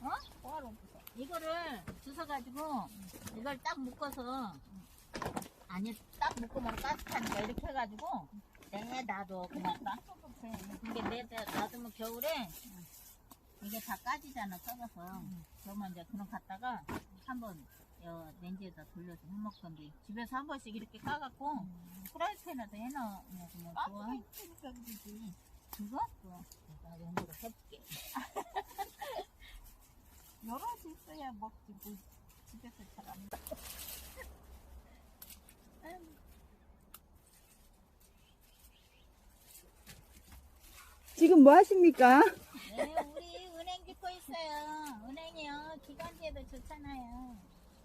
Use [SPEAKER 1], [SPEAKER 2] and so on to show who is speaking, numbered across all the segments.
[SPEAKER 1] 어? 뭐하러 부숴? 이거를 주워가지고 이걸 딱 묶어서 아니 딱 묶으면 가스타니까 이렇게 해가지고 내놔도 그냥 근데 놔두면 겨울에 이게 다 까지잖아 썩어서 그러면 이제 그럼 갖다가 한번 렌즈에다 돌려서 해먹 건데 집에서 한 번씩 이렇게 까갖고 프라이팬에다 해놓으면 그냥 좋아. 그거? 내가 연구를 해볼게.
[SPEAKER 2] 여럿이 있어야 먹지 뭐 집에서 잘 안 먹어.
[SPEAKER 3] 지금 뭐 하십니까?
[SPEAKER 1] 네, 우리 은행 짓고 있어요. 은행이요. 기관지에도 좋잖아요.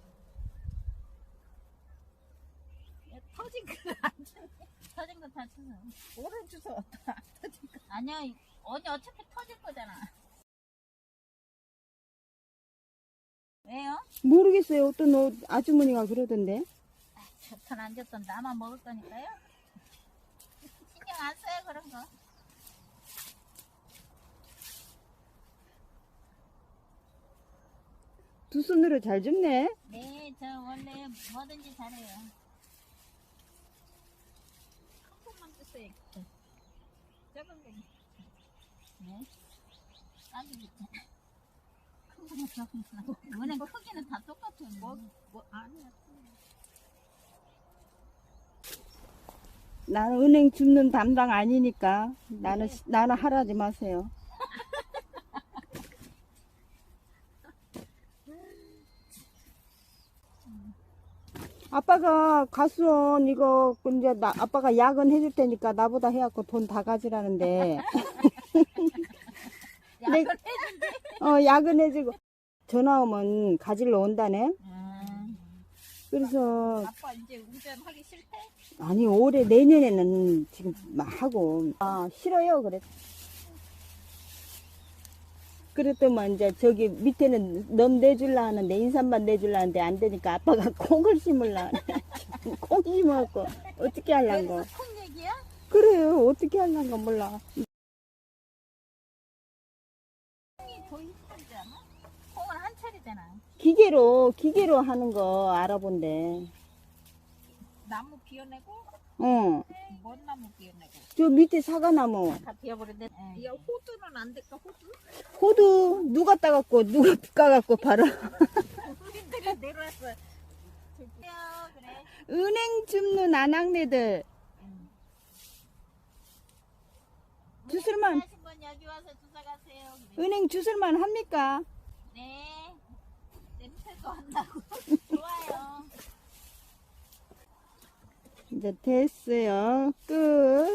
[SPEAKER 1] 야, 터진 거 안 쳤네. 터진 거 다 쳤어.
[SPEAKER 2] 오른 주소 왔다.
[SPEAKER 1] 아니야, 언니 어차피 터질 거잖아. 왜요?
[SPEAKER 3] 모르겠어요. 어떤 아주머니가 그러던데.
[SPEAKER 1] 좋든 안 좋든 나만 먹을 거니까요. 신경 안 써요, 그런 거.
[SPEAKER 3] 두 손으로 잘 줍네.
[SPEAKER 1] 네, 저 원래 뭐든지 잘해요.
[SPEAKER 2] 한 번만 주세요. 작은 거.
[SPEAKER 1] 네. 딱이 밑에. 큰 거는 작은 거. 은행 크기는 다 똑같아요.
[SPEAKER 2] 뭐 아니야.
[SPEAKER 3] 나는 은행 줍는 담당 아니니까 나는 하라지 마세요. 아빠가 가수원 이거 이제 아빠가 야근 해줄 테니까 나보다 해갖고 돈 다 가지라는데. 야근해주고 전화 오면 가지러 온다네. 그래서
[SPEAKER 2] 아빠 이제 운전하기 싫대?
[SPEAKER 3] 아니 올해 내년에는 지금 하고 싫어요 그래. 그랬더만 이제 저기 밑에는 넘 내줄라 하는데 인삼만 내줄라 하는데 안 되니까 아빠가 콩을 심을라 콩 심어갖고 어떻게 하려고.
[SPEAKER 1] 큰 얘기야?
[SPEAKER 3] 그래요 어떻게 하려고 몰라.
[SPEAKER 1] 콩이 더 힘들지 않아? 콩은 한 차례잖아.
[SPEAKER 3] 기계로 하는 거 알아본대.
[SPEAKER 2] 나무 비워내고
[SPEAKER 3] 어.
[SPEAKER 2] 뭔 나무 비워내고.
[SPEAKER 3] 저 밑에 사과나무.
[SPEAKER 1] 다 비워버렸는데.
[SPEAKER 2] 야 호두는 안 될까 호두?
[SPEAKER 3] 호두 누가 따갖고 누가 까갖고 바로.
[SPEAKER 2] 우리들이 내려왔어.
[SPEAKER 1] 그래.
[SPEAKER 3] 은행 줍는 아낙네들. 주술만
[SPEAKER 1] 하신 분 여기 와서 주사 가세요.
[SPEAKER 3] 은행 주술만 합니까?
[SPEAKER 1] 네. 냄새도 안 나고 좋아요.
[SPEAKER 3] 이제 됐어요. 끝.